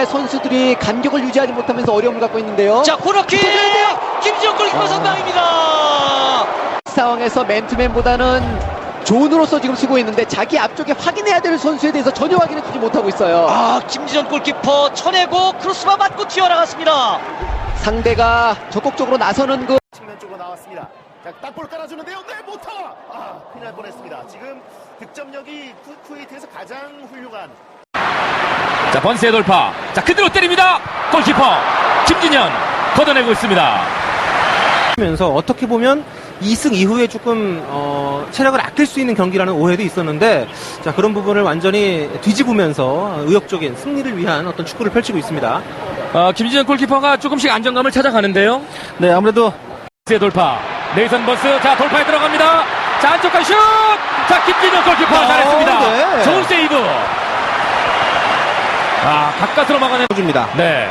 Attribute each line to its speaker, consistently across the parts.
Speaker 1: 우리나라의 선수들이 간격을 유지하지 못하면서 어려움을 갖고 있는데요.
Speaker 2: 자, 코너킥! 김지현 골키퍼 선방입니다.
Speaker 1: 상황에서 맨투맨보다는 존으로서 지금 쓰고 있는데 자기 앞쪽에 확인해야 될 선수에 대해서 전혀 확인해주지 못하고 있어요.
Speaker 2: 김지현 골키퍼 쳐내고 크로스바 맞고 튀어나갔습니다.
Speaker 1: 상대가 적극적으로 나서는 그
Speaker 3: 측면 쪽으로 나왔습니다. 자, 딱볼 깔아주는데요. 네, 못하! 큰일 날 뻔했습니다. 지금 득점력이 쿠웨이트에서 가장 훌륭한.
Speaker 4: 자, 번스의 돌파. 자, 그대로 때립니다. 골키퍼 김진현 걷어내고 있습니다.
Speaker 5: 면서 어떻게 보면 2승 이후에 조금 체력을 아낄 수 있는 경기라는 오해도 있었는데, 자, 그런 부분을 완전히 뒤집으면서 의욕적인 승리를 위한 어떤 축구를 펼치고 있습니다.
Speaker 4: 김진현 골키퍼가 조금씩 안정감을 찾아가는데요.
Speaker 5: 네, 아무래도
Speaker 4: 번스의 돌파. 네이선 번스. 자, 돌파에 들어갑니다. 자, 안쪽까지 슛. 자, 김진현 골키퍼 잘했습니다.
Speaker 5: 네.
Speaker 4: 좋은 세이브. 가까스로 막아내
Speaker 5: 줍니다.
Speaker 4: 네.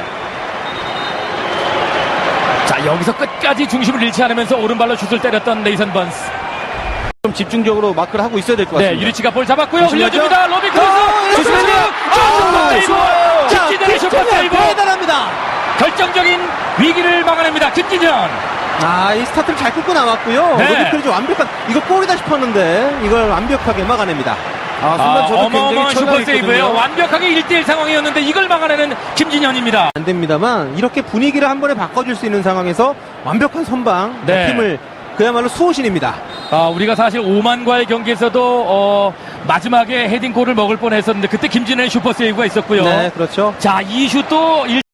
Speaker 4: 자, 여기서 끝까지 중심을 잃지 않으면서 오른발로 슛을 때렸던 네이선 번스.
Speaker 5: 좀 집중적으로 마크를 하고 있어야 될 것 같습니다.
Speaker 4: 네, 유리치가 볼 잡았고요.
Speaker 5: 조심하죠.
Speaker 4: 흘려줍니다. 로비 크로스. 김진현의 슈퍼 세이브.
Speaker 5: 대단합니다.
Speaker 4: 결정적인 위기를 막아냅니다. 김진현.
Speaker 5: 이 스타트를 잘 끌고 나왔고요.
Speaker 4: 네.
Speaker 5: 로비클이 완벽한, 이거 골이다 싶었는데 이걸 완벽하게 막아냅니다. 순간 저도
Speaker 4: 어마어마한
Speaker 5: 굉장히
Speaker 4: 슈퍼 세이브예요.
Speaker 5: 철저했거든요.
Speaker 4: 완벽하게 1대1 상황이었는데 이걸 막아내는 김진현입니다.
Speaker 5: 안 됩니다만 이렇게 분위기를 한 번에 바꿔줄 수 있는 상황에서 완벽한 선방,
Speaker 4: 네.
Speaker 5: 팀을 그야말로 수호신입니다.
Speaker 4: 우리가 사실 오만과의 경기에서도 마지막에 헤딩골을 먹을 뻔했었는데 그때 김진현의 슈퍼 세이브가 있었고요.
Speaker 5: 네, 그렇죠.
Speaker 4: 자, 이 슛도